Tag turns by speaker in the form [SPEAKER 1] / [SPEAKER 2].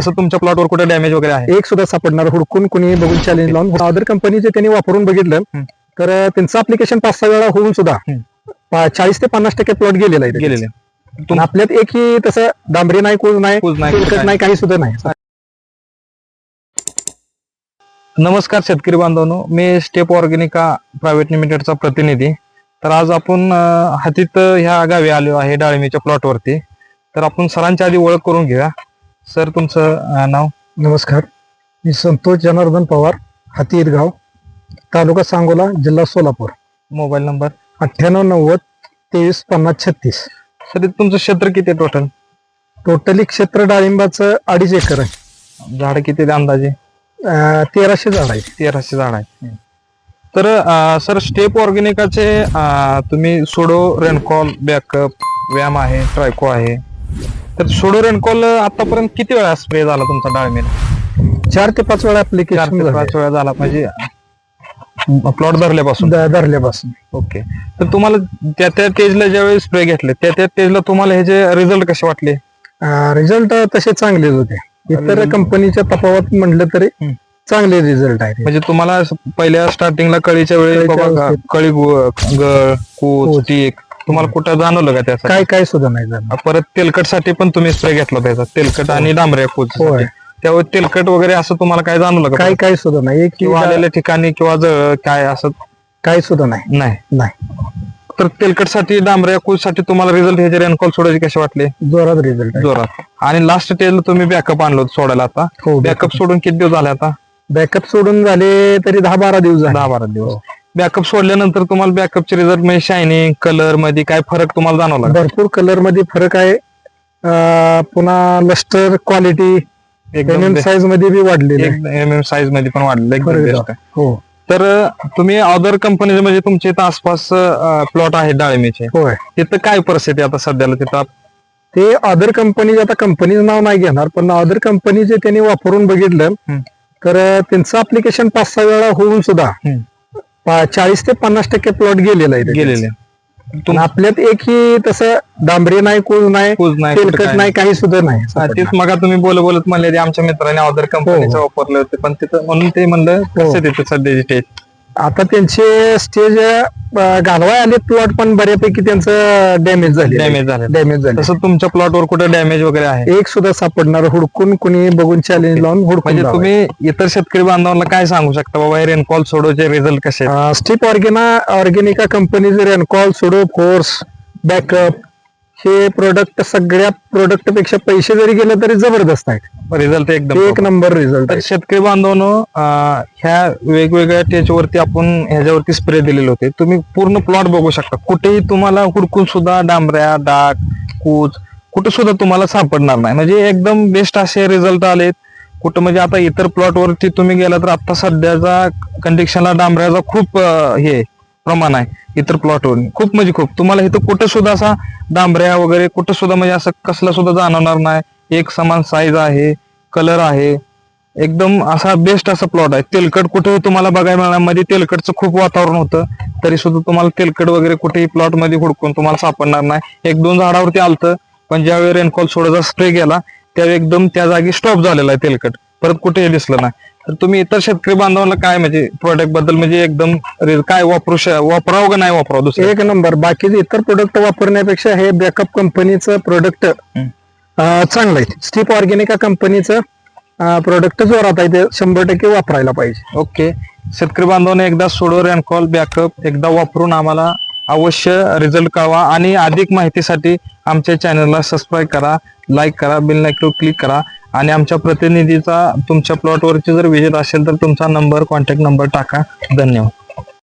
[SPEAKER 1] असं तुमच्या प्लॉटवर कुठे डॅमेज वगैरे आहे?
[SPEAKER 2] एक सुद्धा सापडणार हुडकून कुणी बघून चॅलेंज लावून अदर कंपनीचे त्यांनी वापरून बघितलं तर त्यांचं अप्लिकेशन 5-6 वेळा होऊन सुद्धा 40 ते 50% प्लॉट गेलेला आहे
[SPEAKER 1] गेलेले.
[SPEAKER 2] पण आपल्यात एकही तसं डांबरी नाही, कूज नाही, तेलकट नाही, काही सुद्धा नाही.
[SPEAKER 1] नमस्कार शेतकरी बांधवांनो, मी स्टेप ऑर्गॅनिका प्रायव्हेट लिमिटेडचा प्रतिनिधी. तर आज आपण हातीत ह्या गावी आलो आहे डाळिंबीच्या प्लॉटवरती. तर आपण सरांच्या आधी ओळख करून घेऊया. सर, तुमचं नाव?
[SPEAKER 2] नमस्कार, मी संतोष जनार्दन पवार, हाती ईदगाव, तालुका सांगोला, जिल्हा सोलापूर.
[SPEAKER 1] Mobile number
[SPEAKER 2] 9890235036.
[SPEAKER 1] सर, तुमचं क्षेत्र किती आहे
[SPEAKER 2] टोटली क्षेत्र डाळिंबाचं 2.5 एकर आहे.
[SPEAKER 1] झाड किती आहे अंदाजे?
[SPEAKER 2] 1300 झाड आहे.
[SPEAKER 1] 1300 झाड आहे. तर सर, स्टेप ऑर्गॅनिकाचे तुम्ही सोडो, रेनकॉल, बॅकअप, व्यायाम आहे, ट्रायको आहे. तर सोडो रेनकॉल आतापर्यंत किती वेळा स्प्रे झाला तुमचा डाळिंबीला?
[SPEAKER 2] 4 ते 5 वेळा
[SPEAKER 1] 4 ते 5
[SPEAKER 2] ऍप्लिकेशन
[SPEAKER 1] वेळा झाला, म्हणजे प्लॉट धरल्यापासून. ओके. तर तुम्हाला त्या स्टेजला ज्यावेळी स्प्रे घेतले त्या स्टेजला तुम्हाला हे जे रिझल्ट कसे वाटले?
[SPEAKER 2] रिझल्ट तसे चांगलेच होते. इतर कंपनीच्या तफावत म्हटलं तरी चांगले रिझल्ट आहे.
[SPEAKER 1] म्हणजे तुम्हाला पहिल्या स्टार्टिंगला कळीच्या वेळी बाबा कळी गळ, कूच, टीक तुम्हाला कुठं जाणवलं का त्याचं?
[SPEAKER 2] काय सुद्धा नाही झालं.
[SPEAKER 1] परत तेलकटसाठी पण तुम्ही स्प्रे घेतला त्याचा, तेलकट आणि डांबऱ्या कूच. त्यावेळी तेलकट वगैरे असं तुम्हाला काय जाणवलं का?
[SPEAKER 2] काय सुद्धा नाही.
[SPEAKER 1] किंवा आलेल्या ठिकाणी किंवा जळ काय असं
[SPEAKER 2] काही सुद्धा नाही.
[SPEAKER 1] नाही. तर तेलकटसाठी, डांबऱ्या कूचसाठी तुम्हाला रिझल्ट हे जे रेनकॉल सोडायचे कसे वाटले?
[SPEAKER 2] जोरात रिझल्ट,
[SPEAKER 1] जोरात. आणि लास्ट स्टेजला तुम्ही बॅकअप आणलो सोडायला. आता बॅकअप सोडून किती दिवस झाले? आता
[SPEAKER 2] बॅकअप सोडून झाले तरी 10-12 दिवस झाले.
[SPEAKER 1] 10-12 दिवस. बॅकअप सोडल्यानंतर तुम्हाला बॅकअपचे रिझल्ट म्हणजे शायनिंग, कलर मध्ये काय फरक तुम्हाला जाणवला?
[SPEAKER 2] भरपूर कलर मध्ये फरक आहे. पुन्हा लस्टर क्वालिटी
[SPEAKER 1] एकदम
[SPEAKER 2] साईज मध्ये बी वाढलेली,
[SPEAKER 1] साईज मध्ये पण वाढलेलं एकदम बेस्ट आहे.
[SPEAKER 2] हो.
[SPEAKER 1] तर तुम्ही अदर कंपनी म्हणजे तुमच्या इथं आसपास प्लॉट आहेत डाळिंबीचे,
[SPEAKER 2] होय,
[SPEAKER 1] तिथं काय परिस्थिती आता सध्याला तिथं?
[SPEAKER 2] ते अदर कंपनी, आता कंपनीचं नाव नाही घेणार, पण अदर कंपनीचे त्यांनी वापरून बघितलं तर त्यांचं अप्लिकेशन 5-6 वेळा होऊन सुद्धा 40 ते 50% प्लॉट गेलेला आहे. आपल्यात एकही तसं डांबरी नाही, कूज नाही, तेलकट नाही, काही सुद्धा नाही.
[SPEAKER 1] तेच मग तुम्ही बोलत म्हणले आमच्या मित्राने अदर कंपनीचं वापरले होते, पण तिथं म्हणून ते म्हणलं कसं तिथं सध्याची स्टेज. आता
[SPEAKER 2] त्यांचे स्टेज घालवाय आले प्लॉट, पण बऱ्यापैकी त्यांचं डॅमेज झाले.
[SPEAKER 1] तसं तुमच्या प्लॉटवर कुठे डॅमेज वगैरे आहे?
[SPEAKER 2] एक सुद्धा सापडणार हुडकून कुणी बघून चॅलेंज लावून हुडकून.
[SPEAKER 1] म्हणजे तुम्ही इतर शेतकरी बांधवांना काय सांगू शकता बाबा हे रेनकॉल सोडोचे रिझल्ट कसे?
[SPEAKER 2] स्टेप ऑर्गॅनिका कंपनीचे रेनकॉल, सोडो, फोर्स, बॅकअप हे प्रोडक्ट सगळ्या प्रोडक्ट पेक्षा पैसे जरी गेले तरी जबरदस्त आहे.
[SPEAKER 1] रिझल्ट एकदम
[SPEAKER 2] एक नंबर रिझल्ट.
[SPEAKER 1] तर शेतकरी बांधवांनो, ह्या वेगवेगळ्या टेजवरती आपण ह्याच्यावरती स्प्रे दिलेले होते. तुम्ही पूर्ण प्लॉट बघू शकता. कुठेही तुम्हाला हुडकून सुद्धा डांबऱ्या, डाग, कूच कुठे सुद्धा तुम्हाला सापडणार नाही. म्हणजे एकदम बेस्ट असे रिझल्ट आलेत. कुठं म्हणजे आता इतर प्लॉट वरती तुम्ही गेला तर आता सध्याचा कंडिशनला डांबऱ्याचा खूप हे प्रमाण आहे. इतर प्लॉटवर खूप म्हणजे खूप तुम्हाला इथं कुठं सुद्धा असा डांबऱ्या वगैरे कुठं सुद्धा म्हणजे असं कसला सुद्धा जाणवणार नाही. एक समान साईज आहे, कलर आहे, एकदम असा बेस्ट असा प्लॉट आहे. तेलकट कुठेही तुम्हाला बघायला मिळणार. मध्ये तेलकटचं खूप वातावरण होतं तरी सुद्धा तुम्हाला तेलकट वगैरे कुठेही प्लॉट मध्ये हुडकून तुम्हाला सापडणार नाही. 1-2 झाडावरती आलतं, पण ज्यावेळी रेनकॉल सोडाचा स्प्रे गेला त्यावेळी एकदम त्या जागी स्टॉप झालेला आहे तेलकट, परत कुठेही दिसलं नाही. तर तुम्ही इतर शेतकरी बांधवांना काय म्हणजे प्रोडक्ट बद्दल म्हणजे एकदम काय वापरावं का नाही वापरावं? दुसरं
[SPEAKER 2] एक नंबर. बाकीचे इतर प्रोडक्ट वापरण्यापेक्षा हे बॅकअप कंपनीचं प्रोडक्ट चांगलं आहे. स्टेप ऑर्गॅनिका कंपनीचं प्रोडक्ट जोरात आहे, ते 100% वापरायला पाहिजे.
[SPEAKER 1] ओके. शेतकरी बांधवांना एकदा सोडो, रेनकॉल, बॅकअप एकदा वापरून आम्हाला अवश्य रिझल्ट कळवा. आणि अधिक माहितीसाठी आमच्या चॅनलला सबस्क्राईब करा, लाईक करा, बेल आयकॉन क्लिक करा. आणि आमच्या प्रतिनिधीचा तुमच्या प्लॉटवरची जर विजिट असेल तर तुमचा नंबर, कॉन्टॅक्ट नंबर टाका. धन्यवाद.